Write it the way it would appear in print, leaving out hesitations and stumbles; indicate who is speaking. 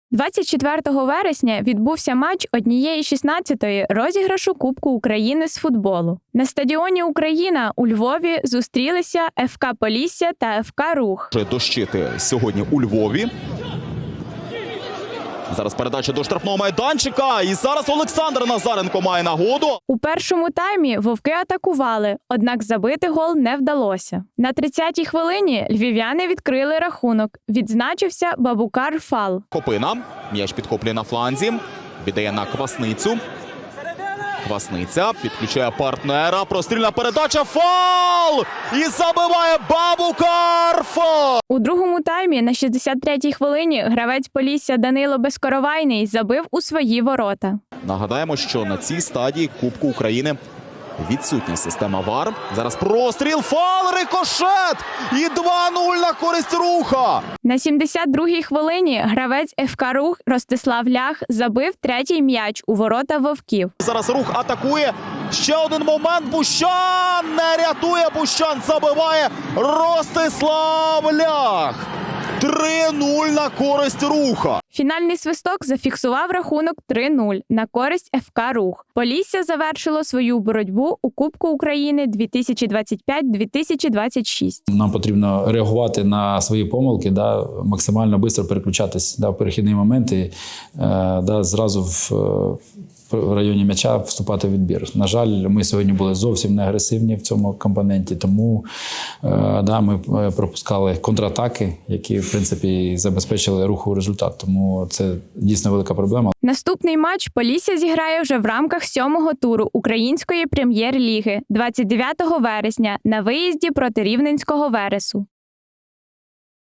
Speaker 1: 24 вересня відбувся матч 1/16 розіграшу Кубку України з футболу. На стадіоні «Україна» у Львові зустрілися ФК «Полісся» та ФК «Рух».
Speaker 2: Дощити сьогодні у Львові. Зараз передача до штрафного майданчика. І зараз Олександр Назаренко має нагоду.
Speaker 1: У першому таймі «Вовки» атакували, однак забити гол не вдалося. На 30-й хвилині львів'яни відкрили рахунок. Відзначився Бабукар Фал.
Speaker 2: Копина. М'яч підхоплює на фланзі. Віддає на Квасницю. Квасниця підключає партнера. Прострільна передача. Фал! І забиває Бабукар Фал!
Speaker 1: У другому таймі на 63-й хвилині гравець Полісся Данило Безкоровайний забив у свої ворота.
Speaker 2: Нагадаємо, що на цій стадії Кубку України відсутня система ВАР. Зараз простріл, фал, рикошет! І 2-0 на користь Руха!
Speaker 1: На 72-й хвилині гравець ФК «Рух» Ростислав Лях забив третій м'яч у ворота «Вовків».
Speaker 2: Зараз Рух атакує. Ще один момент. Бущан не рятує. Бущан забиває Ростислав Лях. 3-0 на користь Руха.
Speaker 1: Фінальний свисток зафіксував рахунок 3-0 на користь ФК «Рух». Полісся завершило свою боротьбу у Кубку України 2025-2026.
Speaker 3: Нам потрібно реагувати на свої помилки, максимально швидко переключатись в перехідні моменти, зразу в районі м'яча вступати в відбір. На жаль, ми сьогодні були зовсім не агресивні в цьому компоненті, тому ми пропускали контратаки, які, в принципі, забезпечили Руху результат. Тому це дійсно велика проблема.
Speaker 1: Наступний матч Полісся зіграє вже в рамках 7-го туру Української прем'єр-ліги 29 вересня на виїзді проти Рівненського Вересу.